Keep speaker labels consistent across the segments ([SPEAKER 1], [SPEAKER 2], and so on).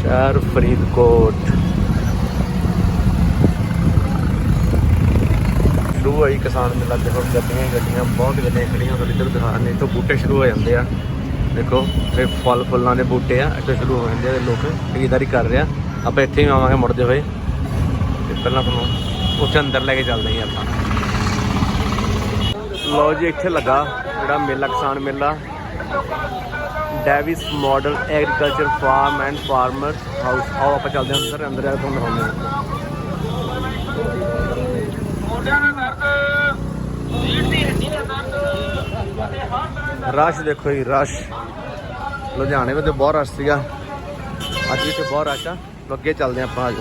[SPEAKER 1] शहर फरीदकोट शुरू हुई किसान मेला। देखो गड्डियां बहुत गड्डियां खड़ियां इधर दिखा रहे इतों बूटे शुरू हो जाते हैं। देखो ये फल फुलों के बूटे आ इतों शुरू हो जाते हैं। लोग खरीदारी कर रहे हैं। आप इत्थे भी आवांगे मुड़ते हुए। पहला तुहानूं उत्थे अंदर लैके चलते हैं आप। लो जी इत्थे लगा जिहड़ा मेला किसान मेला Davis model agriculture farm and farmer house. आओ आप चलते हैं अंदर। अंदर जाकर तुहानूं दिखाउने रश। देखो जी रश लुधियाने में तो बहुत रश सीगा। अज भी तो बहुत रश आ। अगे चलते हैं आप। आज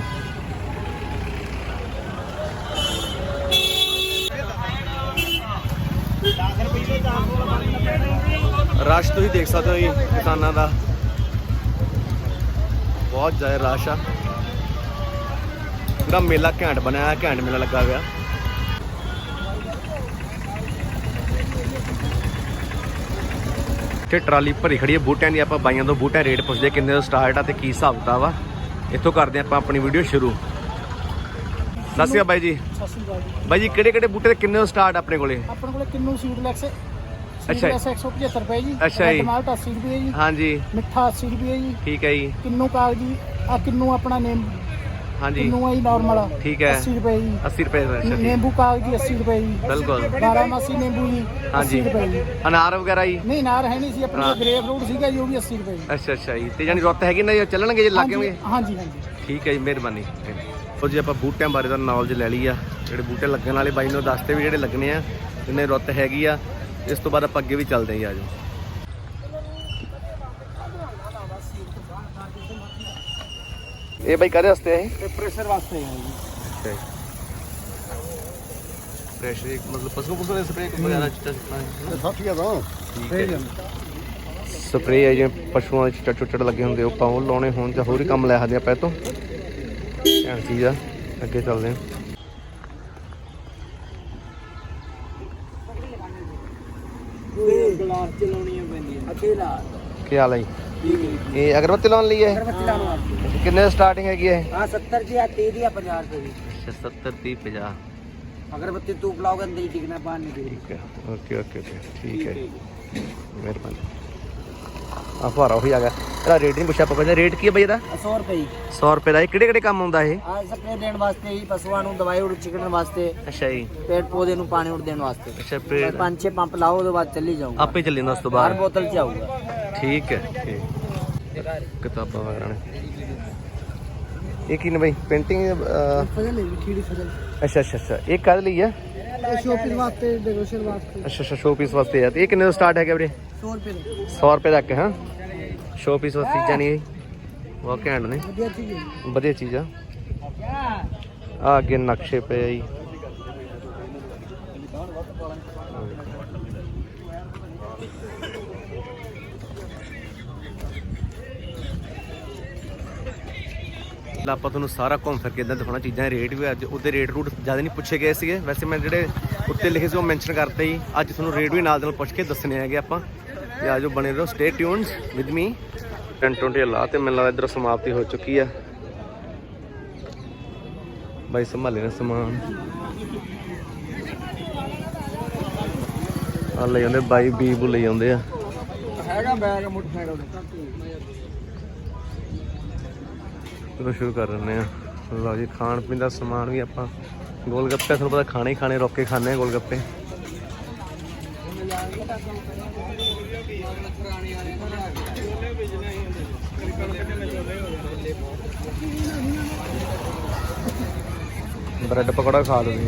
[SPEAKER 1] रश तुसीं देख सकते हो जी किसानां दा बहुत ज़्यादा रश आ। पूरा मेला घैंट बनया घैंट मेला लगा हुआ। इत्थे ट्राली भरी खड़ी है बूटियां की। आप बाइयां तो बूटियां रेट पुछदे किन्ने तो स्टार्ट आ ते की हिसाब किताब आ। इत्थों करते हैं अपनी वीडियो शुरू। सत श्री अकाल बाई जी। बाई जी किहड़े बूटे ते किन्ने तो स्टार्ट अपने कोले? अपने कोले किन्नू सीडलैक्स। अच्छा 175 रुपए जी। अच्छा जी। टमाटर 80 रुपए जी। हाँ जी। मिठा 80 रुपए जी। ठीक है जी। किन्नू कागजी आ किन्नू अपना नेम। हाँ जी। किन्नू है नॉर्मल। ठीक है 80 रुपए जी। 80 रुपए। नींबू कागजी 80 रुपए जी। बिल्कुल। बारामासी नींबू जी 80 रुपए जी। अनार वगैरह जी? नहीं अनार है नहीं सी अपना ग्रेप फ्रूट सीगा जी वो भी 80 रुपए। अच्छा अच्छा जी। ते जानी रुत हैगी ना ਚੱਲਣਗੇ ਜੇ ਲੱਗੇ ਹੋਣਗੇ? हाँ जी हाँ जी। ठीक है जी ਮਿਹਰਬਾਨੀ। ਸੋ ਜੀ ਆਪਾਂ ਬੂਟਿਆਂ ਬਾਰੇ ਦਾ ਨੌਲੇਜ ਲੈ ਲਈ ਆ। ਜਿਹੜੇ ਬੂਟੇ ਲੱਗਣ ਵਾਲੇ ਬਾਈ ਨੂੰ ਦੱਸਦੇ ਵੀ ਜਿਹੜੇ ਲੱਗਣੇ ਆ ਜਿੰਨੇ ਰੁੱਤ ਹੈਗੀ ਆ। ਇਸ ਤੋਂ ਬਾਅਦ ਆਪਾਂ ਅੱਗੇ ਵੀ ਚੱਲਦੇ ਹਾਂ ਜੀ। ਆਜੋ ਇਹ ਬਾਈ ਕਾਹਦੇ ਵਾਸਤੇ ਹੈ? ਪ੍ਰੈਸ਼ਰ ਵਾਸਤੇ ਹੈ ਜੀ। ਅੱਛਾ ਜੀ। ਪ੍ਰੈਸ਼ਰ ਇੱਕ ਮਤਲਬ ਪਸ਼ੂ ਦੇ ਸਪਰੇਅ ਵਗੈਰਾ ਚਿੱਟਾ ਸਾਥੀਆ ਦਾ ਸਪਰੇਅ ਹੈ ਜਿਵੇਂ ਪਸ਼ੂਆਂ ਦੇ ਚਿੱਟਾ ਲੱਗੇ ਹੁੰਦੇ ਉਹ ਆਪਾਂ ਉਹ ਲਾਉਣੇ ਹੋਣ ਜਾਂ ਹੋਰ ਹੀ ਕੰਮ ਲੈ ਸਕਦੇ ਆਪਾਂ ਇਹ ਤੋਂ। ਘੈਂਟ ਚੀਜ਼ ਆ। ਅੱਗੇ ਚੱਲਦੇ ਹਾਂ। ਕੀ ਹਾਲ ਹੈ ਜੀ? ਇਹ ਅਗਰਬੱਤੀ ਲਾਉਣ ਲਈ ਹੈ? ਕਿੰਨੇ ਸਟਾਰਟਿੰਗ ਹੈਗੀ ਹੈ? ਹਾਂ 70 ਦੀ ਆ 30 ਦੀ ਆ 50 ਰੁਪਏ ਦੀ। ਅੱਛਾ 70 30 50। ਅਗਰਬੱਤੀ ਧੂਪ ਲਾਓਗੇ ਅੰਦਰ ਹੀ ਟਿਕਣਾ ਬਾਹਰ ਨਹੀਂ ਟਿਕਣਾ। ਠੀਕ ਹੈ ਓਕੇ ਓਕੇ ਓਕੇ ਠੀਕ ਹੈ ਮਿਹਰਬਾਨੀ। ਆ ਫਾਰਾ ਉਹੀ ਆ ਗਿਆ। ਇਹਦਾ ਰੇਟ ਨਹੀਂ ਪੁੱਛਿਆ ਆਪਾਂ ਪਹਿਲਾਂ। ਰੇਟ ਕੀ ਹੈ ਬਈ ਇਹਦਾ? 100 ਰੁਪਏ ਜੀ। 100 ਰੁਪਏ ਦਾ। ਇਹ ਕਿਹੜੇ ਕਿਹੜੇ ਕੰਮ ਆਉਂਦਾ ਇਹ? ਆ ਸਪਰੇਅ ਦੇਣ ਵਾਸਤੇ ਜੀ ਪਸ਼ੂਆਂ ਨੂੰ ਦਵਾਈ ਉੜ ਚਿਕਣ ਵਾਸਤੇ। ਅੱਛਾ ਜੀ। ਪੇੜ ਪੌਦੇ ਨੂੰ ਪਾਣੀ ਉੜ ਦੇਣ ਵਾਸਤੇ। ਅੱਛਾ ਪੇੜ 5-6 ਪੰਪ ਲਾਓ ਉਹਦੇ ਬਾਅਦ ਚੱਲੀ ਜਾਊਗਾ ਆਪੇ ਚੱਲੀ ਜਾਂਦਾ। ਉਸ ਤੋਂ ਬਾਅਦ ਹਰ ਬੋਤਲ 'ਚ ਆਊਗਾ। ਠੀਕ ਹੈ ਠੀਕ। ਕਿਤਾਬਾਂ ਵਗੈਰਾ ਨੇ। ਇਹ ਕੀ ਨੇ ਬਈ? ਪੇਂਟਿੰਗ ਫਜ਼ਲ ਹੈ ਖੀੜੀ ਫਜ਼ਲ। ਅੱਛਾ ਅੱਛਾ ਅੱਛਾ। ਇਹ ਕਾਹਦੇ ਲਈ ਆ? ਸ਼ੋਪੀਸ ਵਾਸਤੇ ਡੈਕੋਰੇਸ਼ਨ ਵਾਸਤੇ। ਅੱਛਾ ਅੱਛਾ ਸ਼ੋਪੀਸ ਵਾਸਤੇ ਆ। ਤੇ ਇਹ ਕਿੰਨੇ ਤੋਂ ਸਟਾਰਟ ਹੈਗਾ ਵੀਰੇ? 100 ਰੁਪਏ। 100 ਰੁਪਏ ਤੱਕ। ਹਾਂ ਸ਼ੋਪੀਸ ਵਾਸਤੇ ਚੀਜ਼ਾਂ ਨਹੀਂ ਬਹੁਤ ਘੈਂਟ ਨੇ। ਵਧੀਆ ਚੀਜ਼ ਹੈ। ਵਧੀਆ ਚੀਜ਼ ਆ। ਆ ਅੱਗੇ ਨਕਸ਼ੇ ਪਏ ਆ ਜੀ। ਆਪਾਂ ਤੁਹਾਨੂੰ ਸਾਰਾ ਘੁੰਮ ਫਿਰ ਕੇ ਇੱਦਾਂ ਦਿਖਾਉਣਾ। ਚੀਜ਼ਾਂ ਰੇਟ ਵੀ ਅੱਜ ਉਹਦੇ ਰੇਟ ਰੂਟ ਜ਼ਿਆਦਾ ਨਹੀਂ ਪੁੱਛੇ ਗਏ ਸੀਗੇ। ਵੈਸੇ ਮੈਂ ਜਿਹੜੇ ਉੱਤੇ ਲਿਖੇ ਸੀ ਉਹ ਮੈਂਸ਼ਨ ਕਰਤੇ ਜੀ। ਅੱਜ ਤੁਹਾਨੂੰ ਰੇਟ ਵੀ ਨਾਲ ਦੇ ਨਾਲ ਪੁੱਛ ਕੇ ਦੱਸਣੇ ਹੈਗੇ ਆਪਾਂ। ਤੇ ਆਜੋ ਬਣੇ ਰਹੋ ਸਟੇ ਟਿਊਨਡ ਵਿਦ ਮੀ। 10-20 ਲਾ ਤੇ ਮੈਨੂੰ ਲੱਗਦਾ ਇੱਧਰ ਸਮਾਪਤੀ ਹੋ ਚੁੱਕੀ ਆ। ਬਾਈ ਸੰਭਾਲੇ ਨੇ ਸਮਾਨ ਆ ਲੈ ਜਾਂਦੇ ਬਾਈ ਬੂ ਲਈ ਜਾਂਦੇ ਆ। ਹੈਗਾ ਬੈਗ ਮੋਟਰਸਾਈਕਲ ਚਲੋ ਸ਼ੁਰੂ ਕਰ ਦਿੰਦੇ ਆ। ਲਓ ਜੀ ਖਾਣ ਪੀਣ ਦਾ ਸਮਾਨ ਵੀ ਆਪਾਂ ਗੋਲ ਗੱਪੇ ਤੁਹਾਨੂੰ ਪਤਾ ਖਾਣੇ ਹੀ ਖਾਣੇ ਰੋਕ ਕੇ ਖਾਂਦੇ ਆ ਗੋਲ ਗੱਪੇ। ब्रेड पकौड़ा खा लो।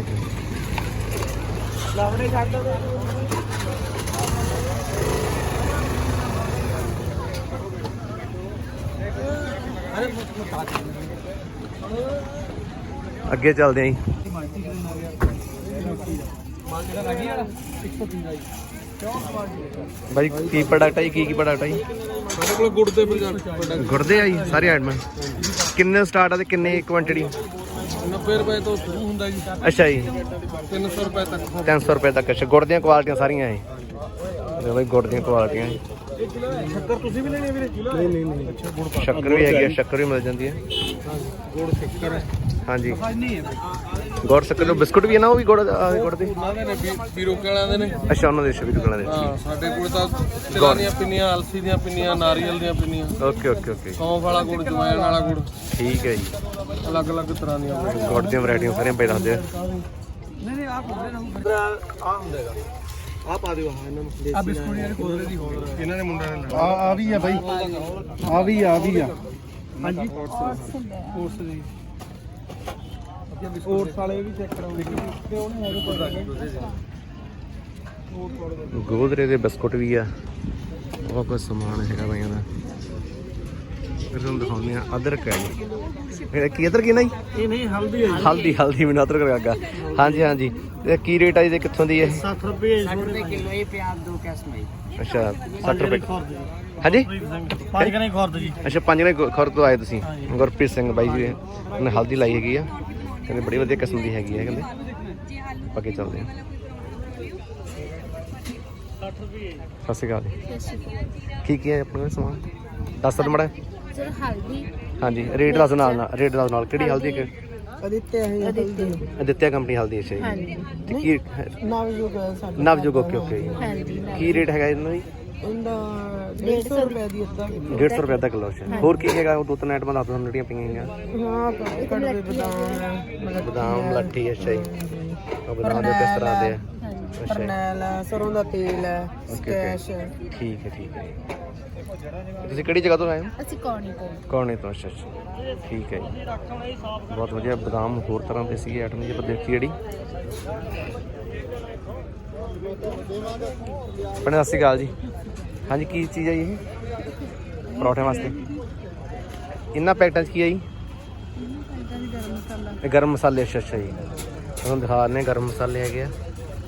[SPEAKER 1] अगे चलते हैं भाई की प्रोडक्ट है की प्रोडक्ट है गुड़दे आई सारी आइटम किन्ने स्टार्ट है किन्ने क्वांटिटी
[SPEAKER 2] 90 रुपए तो शुरू ਹੁੰਦਾ ਜੀ।
[SPEAKER 1] अच्छा जी
[SPEAKER 2] 300 रुपए तक
[SPEAKER 1] 300 रुपए तक। अच्छा गुड़ ਦੀਆਂ ਕੁਆਲਟੀਆਂ ਸਾਰੀਆਂ ਇਹ ਦੇਖੋ ਭਾਈ ਗੁੜ ਦੀਆਂ ਕੁਆਲਟੀਆਂ
[SPEAKER 2] ਸ਼ੱਕਰ ਤੁਸੀਂ ਵੀ ਲੈਣੀ ਹੈ ਵੀਰੇ? ਨਹੀਂ ਨਹੀਂ ਅੱਛਾ ਗੁੜ ਪਾ
[SPEAKER 1] ਸ਼ੱਕਰ ਵੀ ਹੈਗੀ ਆ, ਸ਼ੱਕਰ ਵੀ ਮਿਲ ਜਾਂਦੀ ਹੈ।
[SPEAKER 2] ਗੁੜ ਸ਼ੱਕਰ ਹੈ
[SPEAKER 1] ਹਾਂਜੀ
[SPEAKER 2] ਨਹੀਂ ਹੈ
[SPEAKER 1] ਗੁੜ ਸ਼ੱਕਰ ਦੇ ਬਿਸਕੁਟ ਵੀ ਹੈ ਨਾ, ਉਹ ਵੀ ਗੁੜ ਦੇ
[SPEAKER 2] ਉਹਨਾਂ ਦੇ ਨੇ ਪੀਰੋ ਵਾਲਿਆਂ ਦੇ ਨੇ।
[SPEAKER 1] ਅੱਛਾ ਉਹਨਾਂ ਦੇ ਸ਼ਬੀਰ ਕੋਲਾਂ ਦੇ।
[SPEAKER 2] ਹਾਂ ਸਾਡੇ ਕੋਲ ਤਾਂ ਤਿਲਾਂ ਦੀਆਂ ਪਿੰਨੀਆਂ, ਅਲਸੀ ਦੀਆਂ ਪਿੰਨੀਆਂ, ਨਾਰੀਅਲ ਦੀਆਂ ਪਿੰਨੀਆਂ।
[SPEAKER 1] ਓਕੇ ਓਕੇ ਓਕੇ
[SPEAKER 2] ਸੌਂਫ ਵਾਲਾ ਗੁੜ, ਜਵੈਣ ਵਾਲਾ ਗੁੜ,
[SPEAKER 1] ਠੀਕ ਹੈ ਜੀ।
[SPEAKER 2] ਅਲੱਗ-ਅਲੱਗ ਤਰ੍ਹਾਂ ਦੀਆਂ
[SPEAKER 1] ਗੁੜ ਦੀਆਂ ਵੈਰਾਈਟੀਆਂ ਸਾਰੀਆਂ ਪਈ ਦੱਸਦੇ ਆ।
[SPEAKER 2] ਨਹੀਂ ਆਹ ਹੁੰਦੇ ਆ ਹੁੰਦੇਗਾ। ਆ ਪਾ ਦਿਓ ਹਾਂ ਇਹਨਾਂ ਨੂੰ। ਆ ਬਿਸਕੁਟ ਯਾਰ ਕੋਲੇ ਦੀ ਹੋਰ ਇਹਨਾਂ ਦੇ ਮੁੰਡਿਆਂ ਨੇ ਆ ਵੀ ਆ ਬਾਈ, ਆ ਵੀ ਆ ਹਾਂਜੀ ਕੋਰਸ ਦੀ ਕੋਰਸ ਵਾਲੇ ਵੀ ਚੈੱਕ ਕਰਾਉਂਦੇ ਤੇ ਉਹਨੇ ਹੈਗੇ
[SPEAKER 1] ਗੋਦਰੇ ਦੇ ਬਿਸਕੁਟ ਵੀ ਆ, ਬਹੁਤ ਕੁਝ ਸਮਾਨ ਹੈਗਾ ਬਾਈਆਂ ਦਾ। ਫਿਰ ਤੁਹਾਨੂੰ ਦਿਖਾਉਂਦੇ ਆ ਅਦਰਕ ਹੈ ਜੀ। ਇਹ ਕੀ ਅਦਰਕ ਨਾ ਜੀ?
[SPEAKER 2] ਇਹ ਨਹੀਂ ਹਲਦੀ ਹੈ।
[SPEAKER 1] ਹਲਦੀ ਮੈਨੂੰ ਅਦਰਕ ਲੱਗਾ। ਹਾਂਜੀ ਹਾਂਜੀ ਤੇ ਕੀ ਰੇਟ ਆ ਜੀ? ਕਿੱਥੋਂ ਦੀ ਹੈ?
[SPEAKER 2] 60 ਰੁਪਏ
[SPEAKER 3] किलो ये प्याज 2 कैश में
[SPEAKER 1] ਅੱਛਾ 60 ਰੁਪਏ। ਹਾਂਜੀ
[SPEAKER 2] 5 ਕਨੇ ਖੁਰਦ ਜੀ।
[SPEAKER 1] ਅੱਛਾ 5 ਨੇ ਖੁਰ ਤੋਂ ਆਏ ਤੁਸੀਂ? ਗੁਰਪ੍ਰੀਤ ਸਿੰਘ ਬਾਈ ਜੀ ਉਹਨੇ ਹਲਦੀ ਲਾਈ ਹੈਗੀ ਆ, ਕਹਿੰਦੇ ਬੜੀ ਵਧੀਆ ਕਿਸਮ ਦੀ ਹੈਗੀ ਆ, ਕਹਿੰਦੇ ਅੱਗੇ ਚੱਲਦੇ ਆ।
[SPEAKER 2] 60 ਰੁਪਏ।
[SPEAKER 1] ਸਤਿ ਸ਼੍ਰੀ ਅਕਾਲ ਜੀ। ਕੀ ਹੈ ਆਪਣਾ ਸਮਾਨ ਦੱਸ ਦਿਓ ਮਾੜਾ।
[SPEAKER 3] हल्दी
[SPEAKER 1] ਹਾਂਜੀ ਰੇਟ ਦੱਸ ਨਾਲ ਰੇਟ ਦੱਸ ਨਾਲ ਕਿਹੜੀ ਹਲਦੀ ਕਿ ਅਦਿੱਤਿਆ ਕੰਪਨੀ ਹਲਦੀ। ਅੱਛਾ ਜੀ ਤੇ ਕੀ ਨਵਜੋਗ? ਓਕੇ ਓਕੇ ਜੀ। ਕੀ ਰੇਟ ਹੈਗਾ ਇਹਨਾਂ ਜੀ?
[SPEAKER 3] 150 रुपए दी
[SPEAKER 1] 150 ਰੁਪਏ ਦਾ ਕਿਲੋ। ਅੱਛਾ ਹੋਰ ਕੀ ਹੈਗਾ? ਉਹ ਦੋ ਤਿੰਨ ਆਈਟਮਾਂ ਦੱਸ ਦਿਓ ਜਿਹੜੀਆਂ ਪਈਆਂ ਹੈਗੀਆਂ। ਬਦਾਮ ਲੱਠੀ। ਅੱਛਾ ਜੀ ਉਹ ਬਦਾਮ ਦੇ ਕਿਸ ਤਰ੍ਹਾਂ ਦੇ ਆ? ਅੱਛਾ
[SPEAKER 3] सरों का तेल है
[SPEAKER 1] ਸਕੈਸ਼। ਠੀਕ ਹੈ ਠੀਕ ਹੈ। ਤੁਸੀਂ ਕਿਹੜੀ ਜਗ੍ਹਾ ਤੋਂ ਆਏ ਹੋ?
[SPEAKER 3] ਅਸੀਂ ਕੌਣੀ ਤੋਂ।
[SPEAKER 1] ਕੌਣੇ ਤੋਂ? ਅੱਛਾ ਅੱਛਾ ਠੀਕ ਹੈ ਜੀ। ਬਹੁਤ ਵਧੀਆ ਬਦਾਮ ਹੋਰ ਤਰ੍ਹਾਂ ਦੇ ਸੀਗੇ ਆਈਟਮ ਜੀ। ਆਪਾਂ ਦੇਖੀ ਜਿਹੜੀ ਭੈਣੇ ਸਤਿ ਸ਼੍ਰੀ ਅਕਾਲ ਜੀ। ਹਾਂਜੀ ਕੀ ਚੀਜ਼ ਹੈ ਜੀ ਇਹ? ਪਰੌਠਿਆਂ ਵਾਸਤੇ ਇਹਨਾਂ ਪੈਕਟਾਂ 'ਚ ਕੀ ਹੈ ਜੀ? ਇਹ ਗਰਮ ਮਸਾਲੇ। ਅੱਛਾ ਅੱਛਾ ਜੀ ਤੁਹਾਨੂੰ ਦਿਖਾ ਦਿੰਦੇ ਗਰਮ ਮਸਾਲੇ ਹੈਗੇ ਆ,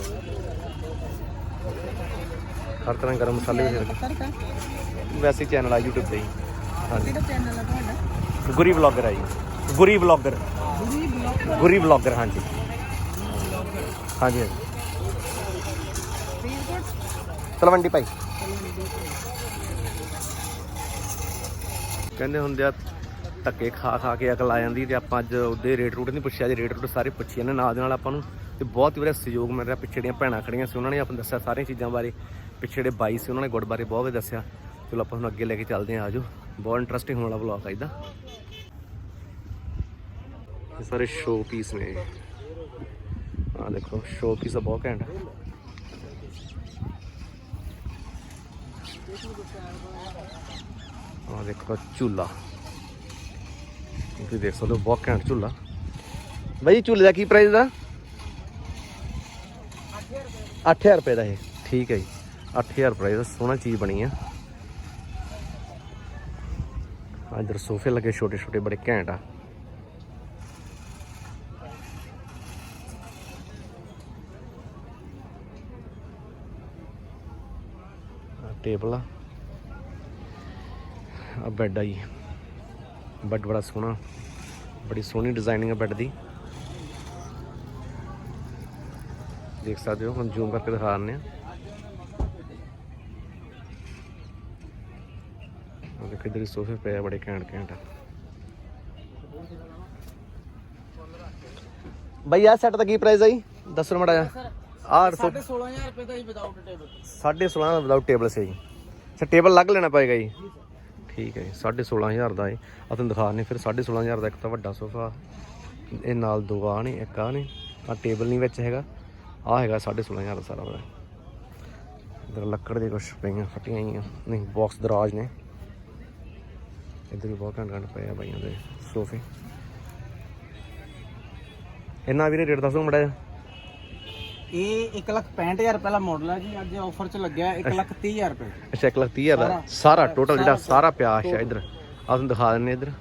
[SPEAKER 1] ਹਰ ਤਰ੍ਹਾਂ ਗਰਮ ਮਸਾਲੇ ਵੀ ਹੈਗੇ। ਵੈਸੇ ਚੈਨਲ ਆ YouTube ਤੇ ਜੀ। ਹਾਂਜੀ ਗੁਰੀ ਬਲੌਗਰ ਹੈ ਜੀ। ਗੁਰੀ ਬਲੌਗਰ ਹਾਂਜੀ ਹਾਂਜੀ ਤਲਵੰਡੀ ਭਾਈ ਕਹਿੰਦੇ ਹੁੰਦੇ ਆ ਧੱਕੇ ਖਾ ਕੇ ਅਕਲ ਆ ਜਾਂਦੀ। ਤੇ ਆਪਾਂ ਅੱਜ ਉਹਦੇ ਰੇਟ ਰੂਟ ਨਹੀਂ ਪੁੱਛਿਆ ਜੀ, ਰੇਟ ਰੂਟ ਸਾਰੇ ਪੁੱਛੇ ਨੇ ਨਾਲ ਦੇ ਨਾਲ ਆਪਾਂ ਨੂੰ। ਤੇ ਬਹੁਤ ਹੀ ਵਧੀਆ ਸਹਿਯੋਗ ਮਿਲ ਰਿਹਾ। ਪਿੱਛੇ ਜਿਹੜੀਆਂ ਭੈਣਾਂ ਖੜੀਆਂ ਸੀ ਉਹਨਾਂ ਨੇ ਆਪਾਂ ਨੂੰ ਦੱਸਿਆ ਸਾਰੀਆਂ ਚੀਜ਼ਾਂ ਬਾਰੇ। ਪਿੱਛੇ ਜਿਹੜੇ ਬਾਈ ਸੀ ਉਹਨਾਂ ਨੇ ਗੁੜ ਬਾਰੇ ਬਹੁਤ ਵਧੀਆ ਦੱਸਿਆ। ਚਲੋ ਆਪਾਂ ਤੁਹਾਨੂੰ ਅੱਗੇ ਲੈ ਕੇ ਚੱਲਦੇ ਹਾਂ। ਆਜੋ ਬਹੁਤ ਇੰਟਰਸਟਿੰਗ ਹੋਣ ਵਾਲਾ ਵਲੌਗ ਆ ਇਹਦਾ। ਇਹ ਸਾਰੇ ਸ਼ੋ ਪੀਸ ਨੇ। ਆਹ ਦੇਖੋ ਸ਼ੋ ਪੀਸ ਆ ਬਹੁਤ ਘੈਂਟ। ਆਹ ਦੇਖੋ ਝੂਲਾ, ਤੁਸੀਂ ਦੇਖ ਸਕਦੇ ਹੋ ਬਹੁਤ ਘੈਂਟ ਝੂਲਾ। ਬਾਈ ਝੂਲੇ ਦਾ ਕੀ ਪ੍ਰਾਈਸ ਦਾ? 8000 ਰੁਪਏ ਦਾ ਇਹ। ਠੀਕ ਹੈ ਜੀ 8000 ਰੁਪਏ ਦਾ ਸੋਹਣਾ ਚੀਜ਼ ਬਣੀ ਆ। ਇੱਧਰ ਸੋਫੇ ਲੱਗੇ ਛੋਟੇ ਛੋਟੇ ਬੜੇ ਘੈਂਟ ਆ। ਟੇਬਲ ਆ, ਬੈੱਡ ਆ ਜੀ। ਬੈੱਡ ਬੜਾ ਸੋਹਣਾ, ਬੜੀ ਸੋਹਣੀ ਡਿਜ਼ਾਈਨਿੰਗ ਆ ਬੈੱਡ ਦੀ। ਦੇਖ ਸਕਦੇ ਹੋ, ਹੁਣ ਜ਼ੂਮ ਕਰਕੇ ਦਿਖਾ ਦਿੰਦੇ ਹਾਂ। ਦੇਖੋ ਇੱਧਰ ਸੋਫੇ ਪਏ ਆ ਬੜੇ ਘੈਂਟ। ਬਾਈ ਆਹ ਸੈੱਟ ਦਾ ਕੀ ਪ੍ਰਾਈਸ ਆ ਜੀ? ਦੱਸੋ ਮਾੜਾ ਜਿਹਾ।
[SPEAKER 3] 16000 रुपए ਦਾ ਹੀ ਵਿਦਆਊਟ ਟੇਬਲ।
[SPEAKER 1] 16.5 ਦਾ ਵਿਦਆਊਟ ਟੇਬਲ ਸੇ ਜੀ। ਅੱਛਾ ਟੇਬਲ ਅਲੱਗ ਲੈਣਾ ਪਏਗਾ ਜੀ। ਠੀਕ ਹੈ ਜੀ 16.5 ਦਾ ਇਹ। ਆ ਤੁਹਾਨੂੰ ਦਿਖਾ ਦਿੰਦੇ ਫਿਰ। 16.5 ਦਾ ਇੱਕ ਤਾਂ ਵੱਡਾ ਸੋਫਾ, ਇਹ ਨਾਲ ਦੋ ਆ ਨੇ, ਇੱਕ ਆ ਨੇ। ਆ ਟੇਬਲ ਨਹੀਂ ਵਿੱਚ ਹੈਗਾ, ਆ ਹੈਗਾ 16.5 ਦਾ ਸਾਰਾ। ਇੱਧਰ ਲੱਕੜ ਦੇ ਕੁਛ ਪਈਆਂ ਫਟੀਆਂ ਹੋਈਆਂ ਨਹੀਂ, ਬਾਕਸ ਦਰਾਜ ਨੇ। ਇੱਧਰ ਵੀ ਬਹੁਤ ਘੰਟ ਪਏ ਆ ਬਾਈਆਂ ਦੇ ਸੋਫੇ। ਇਹਨਾਂ ਵੀਰੇ ਰੇਟ ਦੱਸ ਦਿਓ ਮਾੜਾ ਜਿਹਾ।
[SPEAKER 3] ਇਹ 1,65,000 ਰੁਪਏ ਦਾ ਮਾਡਲ ਹੈ ਜੀ। ਅੱਜ ਆਫਰ 'ਚ ਲੱਗਿਆ 1,30,000 ਰੁਪਏ।
[SPEAKER 1] ਅੱਛਾ 1,30,000 ਦਾ ਸਾਰਾ ਟੋਟਲ ਜਿਹੜਾ ਸਾਰਾ ਪਿਆ। ਅੱਛਾ ਇੱਧਰ ਆ ਤੁਹਾਨੂੰ ਦਿਖਾ ਦਿੰਦੇ। ਇੱਧਰ